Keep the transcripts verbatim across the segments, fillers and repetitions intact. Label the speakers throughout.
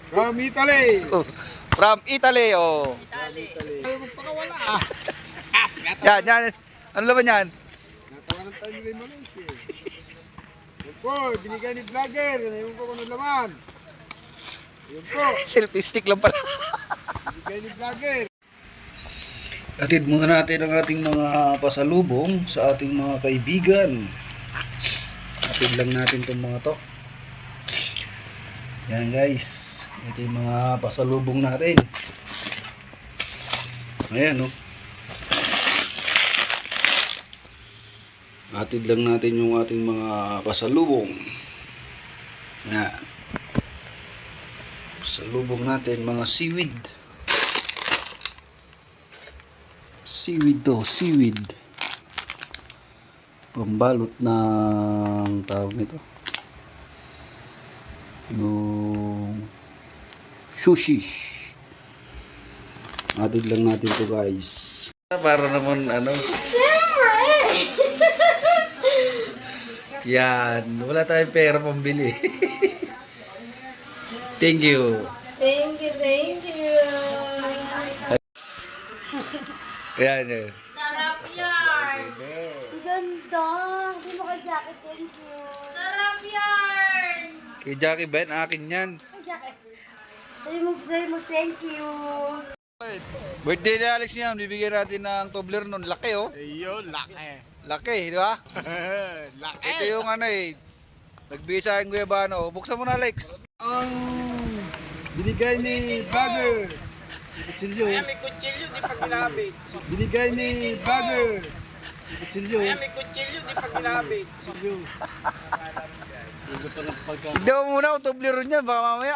Speaker 1: From Italy.
Speaker 2: Oh, from Italy, oh.
Speaker 1: Italy. Ayaw magpakawala.
Speaker 2: Yan, yan. Ano laman yan?
Speaker 1: Natawanan tayo nila yung Malaysia. Yan po, binigay ni vlogger. Ngayon po kung ano laman. Yan po,
Speaker 2: Selfie stick lang pala.
Speaker 1: binigay ni vlogger.
Speaker 2: Atid muna natin ang ating mga pasalubong sa ating mga kaibigan. Atid lang natin itong mga to. Yan guys. Ito yung mga pasalubong natin. Ayan oh. Atid lang natin yung ating mga pasalubong. Yan. Pasalubong natin mga seaweed. Seaweed to, seaweed. Pambalot ng tawag nito. Yung sushi. Atid lang natin to guys. Para naman ano. Yan, wala tayong pera pambili. Thank you.
Speaker 3: Thank you, thank you.
Speaker 2: Ayan eh.
Speaker 3: Sarap yarn. Ang ganda. Hindi mo kay Jackie, thank you. Sarap yarn.
Speaker 2: Kay Jackie Ben, akin yan.
Speaker 3: Kay Jackie. Sabi mo, sabi mo, thank you.
Speaker 2: Birthday ni Alex niyan, bibigyan natin ng tobler nun. Laki oh.
Speaker 1: Ayun, laki.
Speaker 2: Laki, di ba?
Speaker 1: Laki.
Speaker 2: Ito yung ano eh. Nagbigay sa akin guyabano. Buksan mo na Alex.
Speaker 1: Ang binigay ni vlogger. Kutsilyo.
Speaker 4: Ay, may kutsilyo, di pa ginamit.
Speaker 1: Binigay ni vlogger. Kutsilyo.
Speaker 4: Ay, may kutsilyo, di pa ginamit.
Speaker 1: Kutsilyo.
Speaker 2: Tignan mo muna kung tobler nun yan. Baka mamaya.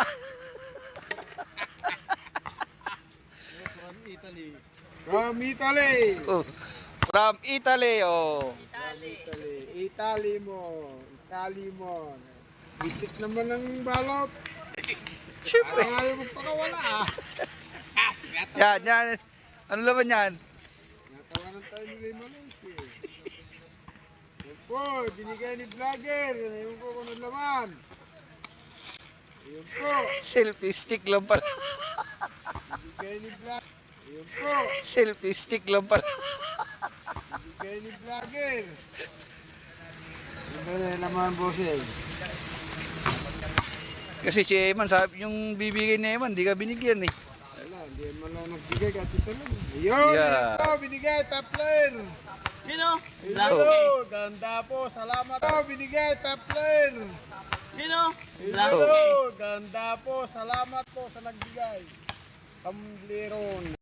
Speaker 1: From Italy.
Speaker 2: Oh, from Italy, oh.
Speaker 1: Italy. Italy mo. Italy mo. Bitik naman ang balot.
Speaker 2: Siyempre.
Speaker 1: Parang ayaw magpakawala ah.
Speaker 2: Yan, yan. Ano laman yan?
Speaker 1: Natawanan tayo nila yung Malaysia. Yan po, binigay ni vlogger. Ngayon po kung ano laman. Yan po,
Speaker 2: Selfie stick lang pala.
Speaker 1: binigay ni vlogger. Yan po,
Speaker 2: Selfie stick lang pala.
Speaker 1: binigay ni vlogger. Yan ba na yung laman, bossing?
Speaker 2: Kasi si Eman, sabi, yung bibigay ni Eman, di ka binigyan eh.
Speaker 1: Wala, hindi mo lang nagbigay kahit isa lang. Ayun,
Speaker 2: Yeah.
Speaker 1: yan po, binigay, top player.
Speaker 4: Yun o.
Speaker 1: Hello, ganda po, salamat po, binigay, top player.
Speaker 4: Yun o.
Speaker 1: Hello, ganda po, salamat po sa nagbigay. Kambliron.